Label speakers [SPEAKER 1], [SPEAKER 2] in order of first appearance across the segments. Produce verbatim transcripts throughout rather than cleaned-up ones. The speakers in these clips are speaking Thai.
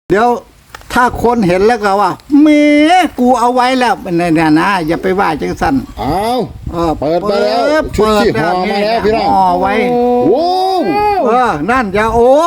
[SPEAKER 1] เดี๋ยวถ้าคนเห็นแล้วก็ว่าเมกูเอาไว้แล้วเนี่ยนะอย่าไปว่าจังสัน
[SPEAKER 2] อ้าว
[SPEAKER 1] เออ
[SPEAKER 2] เปิดมาแล้วชุด
[SPEAKER 1] เปิด
[SPEAKER 2] ที่ห่อมาแล้วพี่น้อง
[SPEAKER 1] ห่อไว้
[SPEAKER 2] โอ้
[SPEAKER 1] เออนั่นอย่าโอ้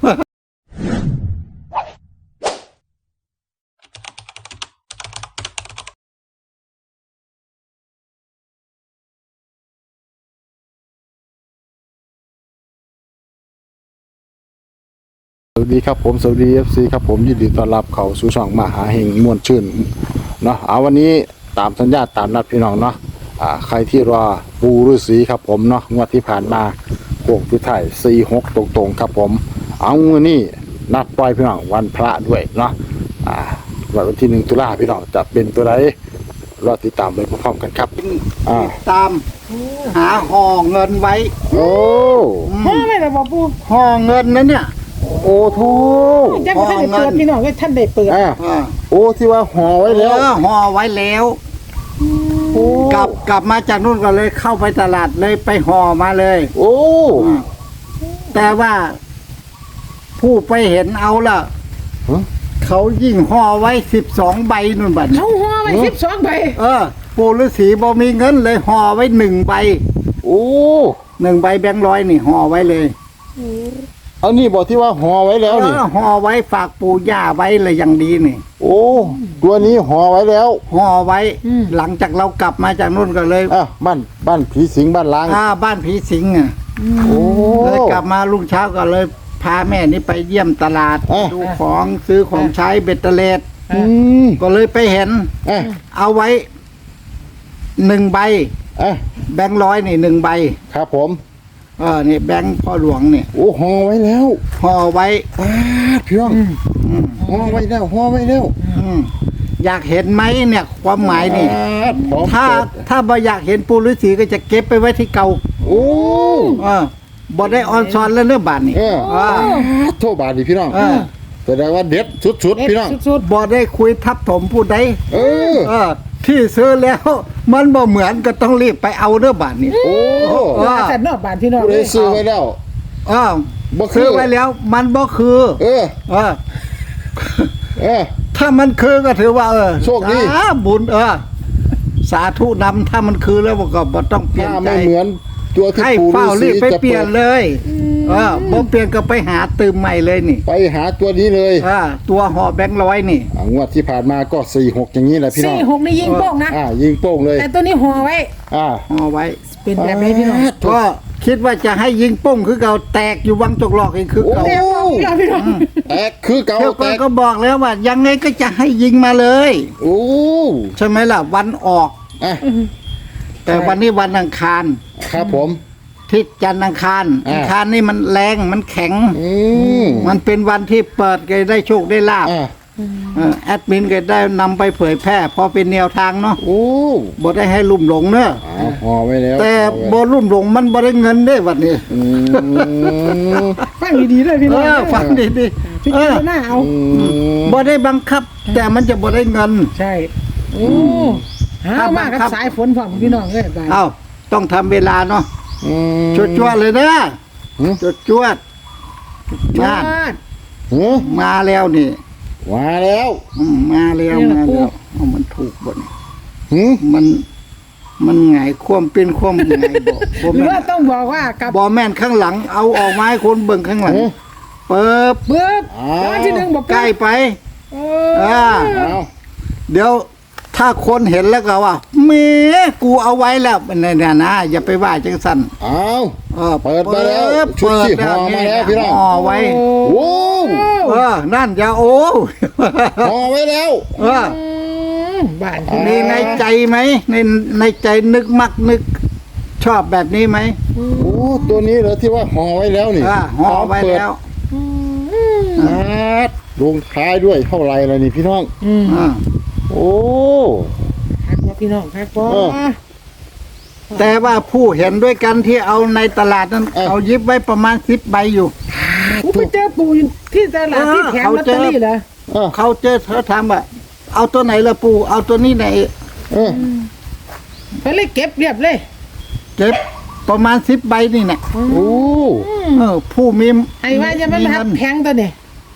[SPEAKER 2] สวัสดีครับผมสวัสดี เอฟ ซี ครับผมยินดีต้อนรับเข้าสู่ช่องมหาเฮงม่วนชื่นเนาะเอาวันนี้ตามสัญญาตามนัดพี่น้องเนาะอ่าใครที่รอปูฤาษีครับผมเนาะงวดที่ผ่านมาโค้งสุดท้ายสี่หกตรงๆครับผมเอาวันนี้นัดปล่อยพี่น้องวันพระด้วยเนาะอ่าวันที่หนึ่งตุลาพี่น้องจะเป็นตัวไหนรอติดตามไปพร้อมๆกันครับอ่า
[SPEAKER 1] ตามหาห่อเงินไว้
[SPEAKER 2] โอ้
[SPEAKER 3] พ่อไม่ได้บอกปู
[SPEAKER 1] ห่อเงินนั้นเนี่ย
[SPEAKER 2] โอ้ทู
[SPEAKER 3] จังท่านได้เปิดพี่น้องว่าท่านได้เปิด
[SPEAKER 2] อ่า
[SPEAKER 1] เออ
[SPEAKER 2] โอ้ที่ว่าห่อไว้แล้ว
[SPEAKER 1] เออห่อไว้แล้ว
[SPEAKER 2] โอ้
[SPEAKER 1] กลับกลับมาจากนู่นก็เลยเข้าไปตลาดเลยไปห่อมาเลย
[SPEAKER 2] โอ้
[SPEAKER 1] แต่ว่า ผู้ไปเห็นเอาล่ะ
[SPEAKER 2] ฮะ
[SPEAKER 1] เขายิ่งห่อไว้สิบสองใบนู่นบัดนี้
[SPEAKER 3] เขาห่อไว้สิบสองใบ
[SPEAKER 1] เออ ปู่ฤาษีบ่มีเงินเลยห่อไว้หนึ่งใบ
[SPEAKER 2] โอ้
[SPEAKER 1] หนึ่งใบแบงค์ร้อยนี่ห่อไว้เลย
[SPEAKER 2] เอานี่บอกที่ว่าห่อไว้แล้ว
[SPEAKER 1] เอ
[SPEAKER 2] นี่
[SPEAKER 1] อห่อไว้ฝากปู่ย่าไว้เลยอย่างดีนี่
[SPEAKER 2] โอ้ตัวนี้ห่อไว้แล้ว
[SPEAKER 1] ห่อไว้ หลังจากเรากลับมาจากนู่นก็เลย
[SPEAKER 2] อ่ะบ้านบ้านผีสิงบ้านล้าง
[SPEAKER 1] อ่าบ้านผีสิงอ่ะ
[SPEAKER 2] โอ้
[SPEAKER 1] เลยกลับมาลุงเช้าก็เลยพาแม่นี่ไปเยี่ยมตลาด
[SPEAKER 2] อ่ะ
[SPEAKER 1] ดูของซื้อของใช้เบ็ดเตล็ด
[SPEAKER 2] อืม
[SPEAKER 1] ก็เลยไปเห็น
[SPEAKER 2] อ่ะ
[SPEAKER 1] เอาไว้หนึ่งใบ
[SPEAKER 2] อ่ะ
[SPEAKER 1] แบงค์ร้อยนี่หนึ่งใบ
[SPEAKER 2] ครับผม
[SPEAKER 1] เออนี่แบงค์พ่อหลวงนี่
[SPEAKER 2] โอ้ห่อไว้แล้ว
[SPEAKER 1] ห่อไว้
[SPEAKER 2] ปาดพี่น้องห่อไว้แล้วห่อไว้แล้ว
[SPEAKER 1] อืมอยากเห็นไหมเนี่ย ความหมายนี่
[SPEAKER 2] ปาดพร้อม
[SPEAKER 1] ถ้า
[SPEAKER 2] เปิด
[SPEAKER 1] ถ้าบ่อยากเห็นปู่ฤาษีก็จะเก็บไปไว้ที่เก่า
[SPEAKER 2] โอ้
[SPEAKER 1] เออบ่ได้ออนซอนแล้วเนื้อบาทนี่
[SPEAKER 2] เออ
[SPEAKER 1] เออ
[SPEAKER 2] โทษบาทดิพี่น้อง
[SPEAKER 1] เออ
[SPEAKER 2] แสดงว่าเด็ดสุดๆพี่น้อง
[SPEAKER 3] สุด
[SPEAKER 1] บ่ได้คุยทับถมผู้ใด
[SPEAKER 2] เออ
[SPEAKER 1] เออ ที่ซื้อแล้ว มันบ่เหมือนก็ต้องรีบไปเอาเนื้อบาทนี่
[SPEAKER 2] โอ้
[SPEAKER 1] เออ
[SPEAKER 3] ๆแต่นอกบ้านพี่น้อง
[SPEAKER 2] ผู้
[SPEAKER 3] เล
[SPEAKER 2] ใด
[SPEAKER 3] ย
[SPEAKER 2] ซื้อไว้แล้ว
[SPEAKER 1] เออ
[SPEAKER 2] บ่คือ
[SPEAKER 1] ซื้อไว้แล้ว มันบ่คือ
[SPEAKER 2] เออ
[SPEAKER 1] เออ
[SPEAKER 2] เออ
[SPEAKER 1] ถ้ามันคือก็ถือว่า เออ
[SPEAKER 2] โชคดี
[SPEAKER 1] สาบุญเออ สาธุนำถ้ามันคือแล้วก็บ่ต้องเปลี่ยน
[SPEAKER 2] ถ้า
[SPEAKER 1] ใจ
[SPEAKER 2] ไม่เหมือนตัวที่
[SPEAKER 1] ให้
[SPEAKER 2] ปู่ฤา
[SPEAKER 1] เฝ้า
[SPEAKER 2] ษี
[SPEAKER 1] รีบไป
[SPEAKER 2] จะ
[SPEAKER 1] เปลี่ยนเลย เออบ่เปลี่ยนก็ไปหาตืมใหม่เลยนี่
[SPEAKER 2] ไปหาตัวนี้เลย
[SPEAKER 1] เออตัวห่อแบงค์ร้อยนี่
[SPEAKER 2] อ่างวดที่ผ่านมาก็สี่หกอย่างนี้แหละพี่น้อ
[SPEAKER 3] สี่
[SPEAKER 2] ง
[SPEAKER 3] หกนี่ยิงโป้งนะ
[SPEAKER 2] อ่ายิงโป้งเลย
[SPEAKER 3] แต่ตัวนี้ห่อไว้
[SPEAKER 2] อ่า
[SPEAKER 1] ห่อไว้
[SPEAKER 3] เป็นแบบนี้พี่น้อง
[SPEAKER 1] ก็คิดว่าจะให้ยิงปุ้งคือเก่าแตกอยู่วังจกหลอกเองคือเก่า
[SPEAKER 3] แต่พ่อพี่น้องพี่น้อง
[SPEAKER 2] แตกคือเก่า
[SPEAKER 1] เที่ยว
[SPEAKER 2] แต
[SPEAKER 1] ก่อน
[SPEAKER 2] ก
[SPEAKER 1] ก็บอกแล้วว่า ยังไงก็จะให้ยิงมาเลย
[SPEAKER 2] โอ้
[SPEAKER 1] ใช่ไหมล่ะ วันออก
[SPEAKER 2] อ่ะ
[SPEAKER 1] แต่วันนี้วันอังคาร
[SPEAKER 2] ครับผม
[SPEAKER 1] ทิศจันทร์อังคาร
[SPEAKER 2] อ่า
[SPEAKER 1] อังคารนี่มันแรงมันแข็ง
[SPEAKER 2] อืม
[SPEAKER 1] มันเป็นวันที่เปิดก็ได้โชคได้ลาบ
[SPEAKER 2] อ่า
[SPEAKER 1] เออแอดมินก็ได้นำไปเผยแพร่พอเป็นแนวทางเนาะ
[SPEAKER 2] โอ้
[SPEAKER 1] บ่ได้ให้ลุ่มหลงเนอะ
[SPEAKER 2] เอาห่อไว้แล้ว
[SPEAKER 1] แต่
[SPEAKER 2] ห่อ
[SPEAKER 1] บ่
[SPEAKER 2] ไว้
[SPEAKER 1] ลุ่มหลงมันบ่ได้เงินเด้วันนี้
[SPEAKER 2] อืม
[SPEAKER 3] ฟังดีๆเลยพี่
[SPEAKER 1] เอ
[SPEAKER 3] น้อง
[SPEAKER 1] อฟังดี
[SPEAKER 3] พี่
[SPEAKER 1] ๆเอ
[SPEAKER 3] เจ้า
[SPEAKER 1] อ
[SPEAKER 3] หน้าเอา
[SPEAKER 2] อืม
[SPEAKER 1] บ่ได้บังคับ แต่มันจะบ่ได้เงิน
[SPEAKER 3] ใช่โอ้หามากับสายฝนพร้อมพี่น้องเลยบ้าน
[SPEAKER 1] เอ้าต้องทำเวลาเนาะ
[SPEAKER 2] อืม
[SPEAKER 1] จวดจวดๆเลยนะ
[SPEAKER 2] หือ
[SPEAKER 1] จวดจวด
[SPEAKER 3] จ
[SPEAKER 1] งาน
[SPEAKER 3] อด
[SPEAKER 2] หือ
[SPEAKER 1] มาแล้วนี่
[SPEAKER 2] มาแล้ว
[SPEAKER 1] อืมมาแล้ว
[SPEAKER 3] นี่
[SPEAKER 1] มา
[SPEAKER 3] ล่ะ
[SPEAKER 1] แล้วเอามันถูกบ่นี่
[SPEAKER 2] หือ
[SPEAKER 1] มัน มันไงายความเป็นความไงบ่บ่
[SPEAKER 3] หรือ
[SPEAKER 1] แม่
[SPEAKER 3] ว่าน ต้องบอกว่ากับ
[SPEAKER 1] บ่แม่นข้างหลัง เอาออกมาให้คนเบิ่งข้างหลัง
[SPEAKER 2] หือ
[SPEAKER 1] เปิบ
[SPEAKER 3] เบิบ
[SPEAKER 2] อ้าว
[SPEAKER 3] แล้ววันที่หนึ่งบอก
[SPEAKER 1] ใกล้ไป
[SPEAKER 3] เอ
[SPEAKER 1] อ่า
[SPEAKER 3] อ
[SPEAKER 2] เอา
[SPEAKER 1] เดี๋ยวถ้าคนเห็นแล้วก็ว่าเมกูเอาไว้แล้วเนี่ยนะอย่าไปว่าจังสัน
[SPEAKER 2] เอา
[SPEAKER 1] เออ
[SPEAKER 2] เปิดมาแล้วชุดที่ห่อมาแล้วพี่น้อง
[SPEAKER 1] ห่อไว้
[SPEAKER 2] โอ้
[SPEAKER 1] เออ นั่นอย่าโอ้
[SPEAKER 2] ห่อไว้แล้ว
[SPEAKER 1] เออ
[SPEAKER 3] มบ้านพี่
[SPEAKER 1] มีในใจไหมในในใจนึกมักนึก ชอบแบบนี้ไหม
[SPEAKER 2] โอ้ตัวนี้เหรอที่ว่าห่อไว้แล้วนี่
[SPEAKER 1] อ่าห่อไว้แล้ว
[SPEAKER 2] อาดลงท้ายด้วยเท่าไรเลยนี่พี่น้อง
[SPEAKER 3] อืม
[SPEAKER 1] อ่า
[SPEAKER 2] โอ้
[SPEAKER 3] ครับพ่อพี่น้องครับพ่อ
[SPEAKER 2] เออ
[SPEAKER 1] แต่ว่าผู้เห็นด้วยกันที่เอาในตลาดนั้น
[SPEAKER 2] เออ
[SPEAKER 1] เอายิบไว้ประมาณสิบใบอยู่
[SPEAKER 3] กูไปเจอปู่อยู่ที่ตลาดที่แผงลอตเตอรี่เหรอ
[SPEAKER 2] เออ
[SPEAKER 1] เขาเจอเขาถามว่าเอาตัวไหนละปูเอาตัวนี้ไหน
[SPEAKER 2] เออ
[SPEAKER 3] ไปเลยเก็บเรียบเลย
[SPEAKER 1] เก็บประมาณสิบใบนี่แหละ
[SPEAKER 2] โอ้
[SPEAKER 1] เออ ผู้มี
[SPEAKER 3] ไอ้ว่าจะมัน
[SPEAKER 1] มี
[SPEAKER 3] หั
[SPEAKER 1] เงิ
[SPEAKER 3] ก
[SPEAKER 1] น
[SPEAKER 3] แพงตัวเนี่ย
[SPEAKER 1] อ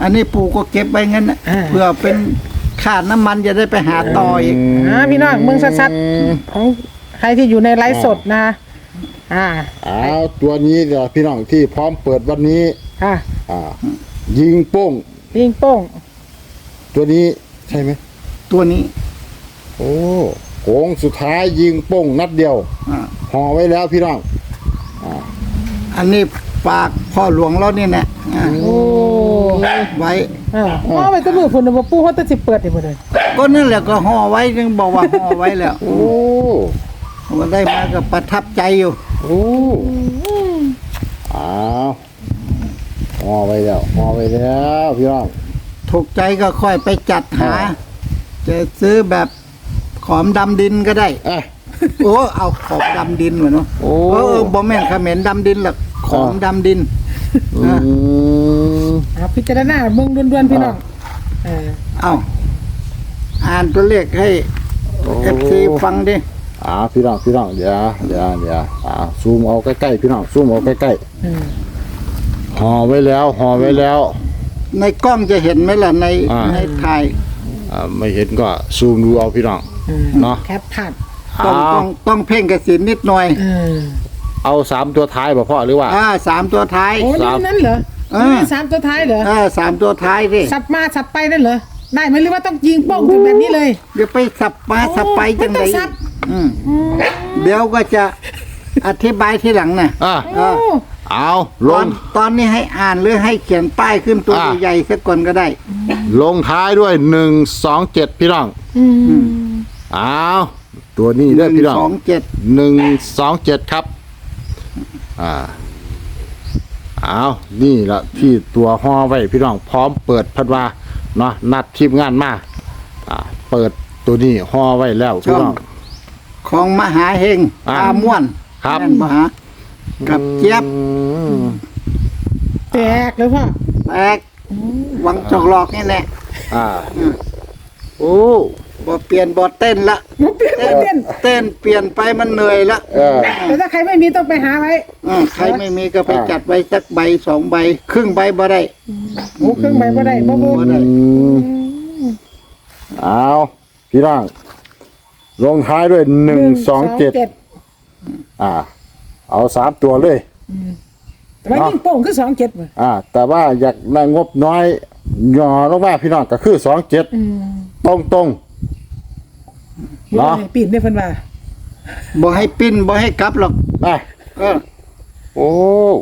[SPEAKER 1] อันนี้ปู่ก็เก็บไว้งั้นนะ
[SPEAKER 3] อ่า
[SPEAKER 1] เพื่อเป็นค่าน้ำมันจะได้ไปหาต่ออีก
[SPEAKER 3] อ่าพี่น้องเมืองชัดๆของใครที่อยู่ในไลฟ์สดนะอ่า
[SPEAKER 2] อ้าวตัวนี้เดี๋ยวพี่น้องที่พร้อมเปิดวันนี้
[SPEAKER 3] ค่ะ
[SPEAKER 2] อ่า ยิงโป้ง
[SPEAKER 3] ยิงโป้ง
[SPEAKER 2] ตัวนี้ใช่ไหม
[SPEAKER 1] ตัวนี้
[SPEAKER 2] โอ้โค้งสุดท้ายยิงโป้งนัดเดียว
[SPEAKER 1] อ่า
[SPEAKER 2] ห่อไว้แล้วพี่น้อง
[SPEAKER 1] อันนี้ฝากพ่อหลวงเรานี่แหละอ่า
[SPEAKER 3] โอ้
[SPEAKER 1] ไว้
[SPEAKER 3] อ่าเอาไปแตะมือพุ่นน่ะบ่ปู่เขาแตะสิเปิดนี่บ่ได้
[SPEAKER 1] ก็นั่นแหละก็ห่อไว้จึงบอกว่าห่อไว้แล้ว
[SPEAKER 2] โอ้
[SPEAKER 1] มันได้มาก็ประทับใจอยู่
[SPEAKER 2] โอ้อ้าวห่อไว้แล้วห่อไว้แล้วพี่น้อง
[SPEAKER 1] ถูกใจก็ค่อยไปจัดหา
[SPEAKER 2] อ่า
[SPEAKER 1] จะซื้อแบบขอมดำดินก็ได้
[SPEAKER 2] อ่ะ
[SPEAKER 1] โอ้เอาขอมดำดินวะเนาะ
[SPEAKER 2] โอ้
[SPEAKER 1] เออบ่แม่นเขม็นดำดินหรอกขอมดำดิน
[SPEAKER 2] อืม
[SPEAKER 3] อ่าพิจารณาเบิ่งด่วนๆพี่น้องเออ
[SPEAKER 1] เอาอ่านตัวเลขให้เอฟซีฟังดิ
[SPEAKER 2] อ่าพี่น้องพี่น้องเดี๋ยวเดี๋ยวเดี๋ยวอ่าซูมเอาใกล้ๆพี่น้องซูมเอาใกล้
[SPEAKER 3] อืม
[SPEAKER 2] ๆห่อไว้แล้วห่อไว้แล้ว
[SPEAKER 1] ในกล้องจะเห็นไหมล่ะใน
[SPEAKER 2] อ่า
[SPEAKER 1] ในถ่าย
[SPEAKER 2] อ่าไม่เห็นก็ซูมดูเอาพี่น้อง
[SPEAKER 3] อืม
[SPEAKER 2] เนาะ
[SPEAKER 3] แคปภาพ
[SPEAKER 1] ต้อง
[SPEAKER 2] เอา
[SPEAKER 1] ต้องต้องเพ่งกระสินนิดหน่อย
[SPEAKER 3] เออ
[SPEAKER 2] เอาสามตัวท้ายบ่พ่อหรือว่า
[SPEAKER 1] อ่าสามตัวท้าย
[SPEAKER 3] โอ้นี่นั่นเหรอ
[SPEAKER 1] เออ
[SPEAKER 3] นี่สามตัวท้ายเหรอ
[SPEAKER 1] อ่าสามตัวท้ายดิ
[SPEAKER 3] สับมาสับไปนั่นเหรอได้ไหมหรือว่าต้องยิงโป้งถึงแบบนี้เลย
[SPEAKER 1] เดี๋ยวไปสับมาสับไปจัง
[SPEAKER 3] ไม่
[SPEAKER 1] ได
[SPEAKER 3] ต้องสับ
[SPEAKER 1] อืมเดี๋ยวก็จะอธิบายทีหลังน่ะ
[SPEAKER 2] อ่ะ
[SPEAKER 3] โอ้
[SPEAKER 2] เอาล
[SPEAKER 1] ตอง นตอนนี้ให้อ่านหรือให้เขียนป้ายขึ้นตัว
[SPEAKER 2] อ่า
[SPEAKER 1] ใหญ่ๆสักก่อนก็ได้
[SPEAKER 2] ลงท้ายด้วยหนึ่งสองเจ็ดพี่น้อง
[SPEAKER 3] อืม
[SPEAKER 2] เอาตัวนี้
[SPEAKER 1] ห
[SPEAKER 2] เด้อ
[SPEAKER 1] นึ่ง
[SPEAKER 2] พี่น้อง
[SPEAKER 1] สองเจ็ด
[SPEAKER 2] หนึ่งสองเจ็ดครับ อ่าเอานี่ละที่ตัวห่อไว้พี่น้องพร้อมเปิดพัดว่าเนาะนัดทีมงานมาอ่า เปิดตัวนี้ห่อไว้แล้วพี่น้อง
[SPEAKER 1] ของมหาเฮง
[SPEAKER 2] อ่า
[SPEAKER 1] ตาม่วน
[SPEAKER 2] ครับ
[SPEAKER 1] แม่นมหากับเจี๊ยบ
[SPEAKER 2] อืม
[SPEAKER 3] แตกเลยพ่อ
[SPEAKER 1] แตกหวังจอกหลอกนี่แหละ
[SPEAKER 2] อ่าโอ้
[SPEAKER 1] บ่เปลี่ยนบ่เต้นละ
[SPEAKER 3] มุกเปลี่ยนมุกเปลี่ยน
[SPEAKER 1] เต้นเปลี่ยนไปมันเหนื่อยละ
[SPEAKER 2] เออ
[SPEAKER 3] แต่ถ้าใครไม่มีต้องไปหาไว้
[SPEAKER 1] อ่าใครไม่มีก็ไป
[SPEAKER 2] อ่า
[SPEAKER 1] จัดไว้สักใบสองใบ ครึ่งใบบ่ได้
[SPEAKER 3] หมูเครื่องใบบ่ได้บ่บ่
[SPEAKER 1] บ่ได้
[SPEAKER 2] อืมเอาพี่น้องลงท้ายด้วยหนึ่งสองเจ็ดอ่า เอาสามตัวเลย
[SPEAKER 3] แต่ว่ายิงโป่งคือสองเจ็ดบ่
[SPEAKER 2] อ่า แต่ว่าอยากได้งบน้อยหย่อลงมาพี่น้องก็คือสองเจ็ด
[SPEAKER 3] อืม
[SPEAKER 2] ตรงตรง
[SPEAKER 3] เนาะ
[SPEAKER 2] เนาะ
[SPEAKER 3] ปีนได้เพิ่นว่า
[SPEAKER 1] บ่ให้ปิ้นบ่ให้กลับหรอก
[SPEAKER 2] ๆอ่ะ
[SPEAKER 1] เออ
[SPEAKER 2] โอ้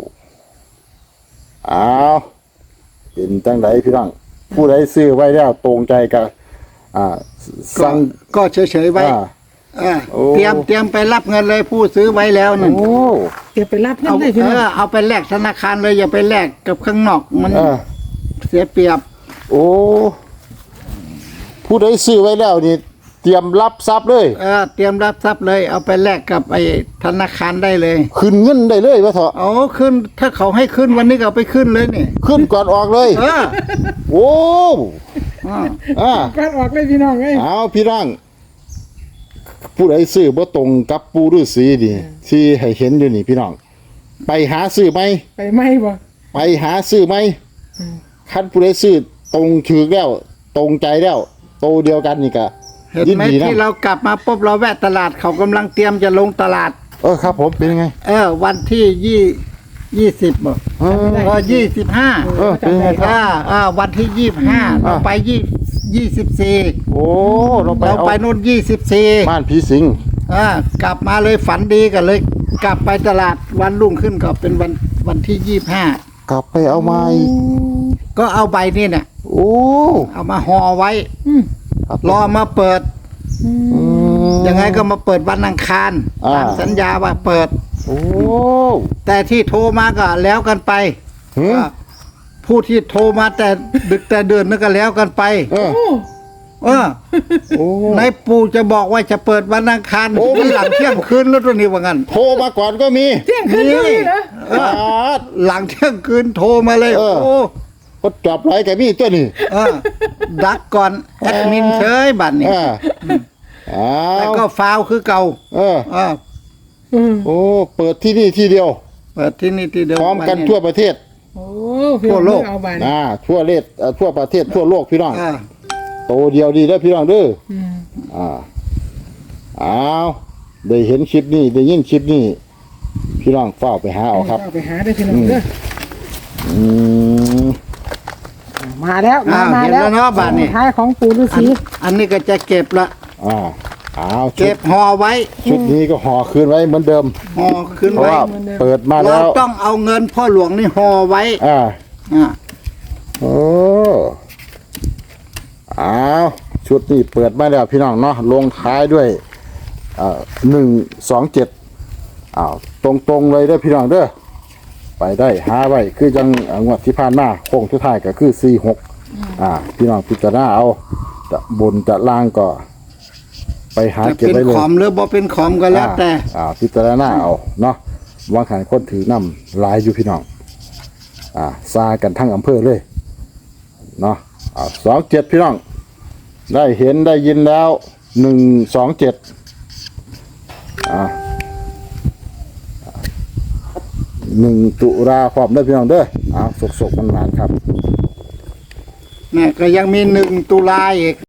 [SPEAKER 2] เอาเป็นจังไดพี่น้องผู้ใดซื้อไว้แล้วตรงใจกับอ่า
[SPEAKER 1] ก็
[SPEAKER 2] สั่ง
[SPEAKER 1] ก็เฉยๆไว้
[SPEAKER 2] อ่า
[SPEAKER 1] เออ
[SPEAKER 2] โอ้
[SPEAKER 1] เตรียมเตรียมไปรับเงินเลยผู้ซื้อไว้แล้วนั่น
[SPEAKER 2] โอ้
[SPEAKER 3] เดี๋ยวไปรับเงิน
[SPEAKER 1] เอา
[SPEAKER 3] ได้พี่
[SPEAKER 1] เอ
[SPEAKER 3] น้อง
[SPEAKER 1] อเอาไปแลกธนาคารเลยอย่าไปแลกกับข้างนอกมัน
[SPEAKER 2] เออ
[SPEAKER 1] เสียเปรียบ
[SPEAKER 2] โอ้ ผู้ใดซื้อไว้แล้วนี่ เตรียมรับทรัพย์เลย
[SPEAKER 1] เออเตรียมรับทรัพย์เลย เอาไปแลกกับไอ้ธนาคารได้เลย
[SPEAKER 2] ขึ้นเงินได้เลยวะเถอะ
[SPEAKER 1] เอาขึ้นถ้าเขาให้ขึ้นวันนี้ก็เอาไปขึ้นเลยนี่
[SPEAKER 2] ขึ้นก่อนออกเลย
[SPEAKER 1] เออ
[SPEAKER 2] โอ้
[SPEAKER 1] อ่า
[SPEAKER 2] อ่า
[SPEAKER 3] การออกเลยพี่น้องเอ้ย
[SPEAKER 2] เอาพี่น้อง ผู้ใดซื้อบ่ตรงกับปูฤาษีนี่ที่ให้เห็นอยู่นี่พี่น้อง ไปหาซื้อไหม
[SPEAKER 3] ไปไหมบ่
[SPEAKER 2] ไปหาซื้อไหมคันผู้ใดซื้อตรงถือแล้ว ตรงใจแล้ว โตเดียวกันนี่ก็
[SPEAKER 1] เห็น
[SPEAKER 2] ยิน
[SPEAKER 1] ไหม
[SPEAKER 2] ดีนะ
[SPEAKER 1] ที่เรากลับมาปุ๊บเราแวะตลาดเขากำลังเตรียมจะลงตลาด
[SPEAKER 2] เออครับผมเป็นยังไง
[SPEAKER 1] เออ วันที่ยี่ยี่สิบบ่
[SPEAKER 2] เออ
[SPEAKER 1] เออยี่สิบห้า
[SPEAKER 2] เออเป็นยังไงครับ
[SPEAKER 1] อ่าอ่าวันที่ยี่สิบห้าเราไปยี่ยี่สิบสี่
[SPEAKER 2] โอ้เราไป
[SPEAKER 1] เรา
[SPEAKER 2] เอา
[SPEAKER 1] ไปนู่นยี่สิบสี่
[SPEAKER 2] บ้านผีสิง
[SPEAKER 1] อ่ากลับมาเลยฝันดีกันเลย กลับไปตลาดวันรุ่งขึ้นก็เป็นวันวันที่ยี่สิบห้าก
[SPEAKER 2] ลับไปเอาไม้
[SPEAKER 1] ก็เอาใบนี่เนี่ย
[SPEAKER 2] โอ้
[SPEAKER 1] เอามาห่อไว้
[SPEAKER 3] อืม
[SPEAKER 2] ครับ
[SPEAKER 1] รอมาเปิด
[SPEAKER 2] อืม
[SPEAKER 1] ยังไงก็มาเปิดวันอังคาร
[SPEAKER 2] อ่า
[SPEAKER 1] ตามสัญญาว่าเปิด
[SPEAKER 2] โอ้
[SPEAKER 1] แต่ที่โทรมาก็แล้วกันไป
[SPEAKER 2] หืม
[SPEAKER 1] อ่าผู้ที่โทรมาแต่ดึกแต่เดินนั่นก็แล้วกันไป
[SPEAKER 2] เออ
[SPEAKER 3] โอ้
[SPEAKER 1] เออ
[SPEAKER 2] โอ้
[SPEAKER 1] ในปู่จะบอกว่าจะเปิดวันอังคาร
[SPEAKER 2] โอ้
[SPEAKER 1] มันหลังเที่ยงคืนแล้วตัวนี้ว่างั้น
[SPEAKER 2] โทรมาก่อนก็มี
[SPEAKER 3] เที่ยงคืนก็มีเหรอ
[SPEAKER 1] เออหลังเที่ยงคืนโทรมาเลย
[SPEAKER 2] เออ
[SPEAKER 1] โอ้
[SPEAKER 2] ก็จับไรกับมีตัวนี้
[SPEAKER 1] เออดักก่อนแอดมินเฉยบัตรนี่
[SPEAKER 2] อ่าอ้า
[SPEAKER 1] แต่
[SPEAKER 2] ว
[SPEAKER 1] ก็ฟาวคือเก่า
[SPEAKER 2] เออ
[SPEAKER 1] เออ
[SPEAKER 3] อืม
[SPEAKER 2] โอ้ เปิดที่นี่ที่เดียว
[SPEAKER 1] เปิดที่นี่ที่เดิม
[SPEAKER 2] พร้อมกัน
[SPEAKER 1] วั
[SPEAKER 2] ทั่วประเทศ
[SPEAKER 3] โอ้พี่น้อง
[SPEAKER 1] ทั่วโลก
[SPEAKER 3] เอาบาน
[SPEAKER 2] อ่าทั่วเลศเอ่อทั่วประเทศทั่วโลกพี่น้อง
[SPEAKER 1] เออ
[SPEAKER 2] โตเดียวดีเด้อพี่น้องเด้อ
[SPEAKER 3] อืม
[SPEAKER 2] อ่าอ้าวได้เห็นคลิปนี้ได้ยินคลิปนี้พี่น้องเฝ้าไปหาเอาครับ
[SPEAKER 3] เอาไปหาได้อพี่น้องเด้อ
[SPEAKER 2] อืม
[SPEAKER 3] มาแล้วมา
[SPEAKER 1] อ้าว
[SPEAKER 3] มา
[SPEAKER 1] เห็น
[SPEAKER 3] แล้
[SPEAKER 1] แล้ว วเนาะบ้านนี้
[SPEAKER 3] ท้ายของปู่ฤา
[SPEAKER 1] อัน
[SPEAKER 3] ษี
[SPEAKER 1] อันนี้ก็จะเก็บละ
[SPEAKER 2] อ่าอ้าวชุ
[SPEAKER 1] เก็
[SPEAKER 2] ด
[SPEAKER 1] บห่อไว้
[SPEAKER 2] ชุดนี้ก็ห่อคืนไว้เหมือนเดิม
[SPEAKER 1] ห่อขึ้น
[SPEAKER 2] เพราะ
[SPEAKER 1] ไว้
[SPEAKER 2] ว่าเปิดมา
[SPEAKER 1] เรา
[SPEAKER 2] แล้ว
[SPEAKER 1] ต้องเอาเงินพ่อหลวงนี่ห่อไว้
[SPEAKER 2] อ่า
[SPEAKER 1] อ่า
[SPEAKER 2] โอ้อ้าวชุดนี้เปิดมาแล้วพี่น้องเนาะลงท้ายด้วยอ่าหนึ่งสองเจ็ดอ้าวตรงๆเลยเด้อพี่น้องเด้อไปได้หาไว้คือจังอ่างวดที่ผ่านมาโค้งทุดท้ายก็คือสี่หกอ่าพี่น้องพิจารณาเอาจะบนจะล่างก็ ไปหา
[SPEAKER 1] จะ
[SPEAKER 2] เก็บ
[SPEAKER 1] เป็น
[SPEAKER 2] ไว้เลย
[SPEAKER 1] ขอมหรือบ่เป็นขอมก็แล้วแต่
[SPEAKER 2] อ่าอ่าพิจารณาเอาเนาะวางขายคนถือนำหลายอยู่พี่น้องอ่าซากันทั้งอำเภอเลยเนาะอ่าสองเจ็ดพี่น้อง ได้เห็นได้ยินแล้วหนึ่งสองเจ็ดอ่าหนึ่งตุลาคมได้อพี่น้องเด้ออ่าสกๆมันหวานๆครับ
[SPEAKER 1] เนี่ยก็ยังมีหนึ่งตุลาอีก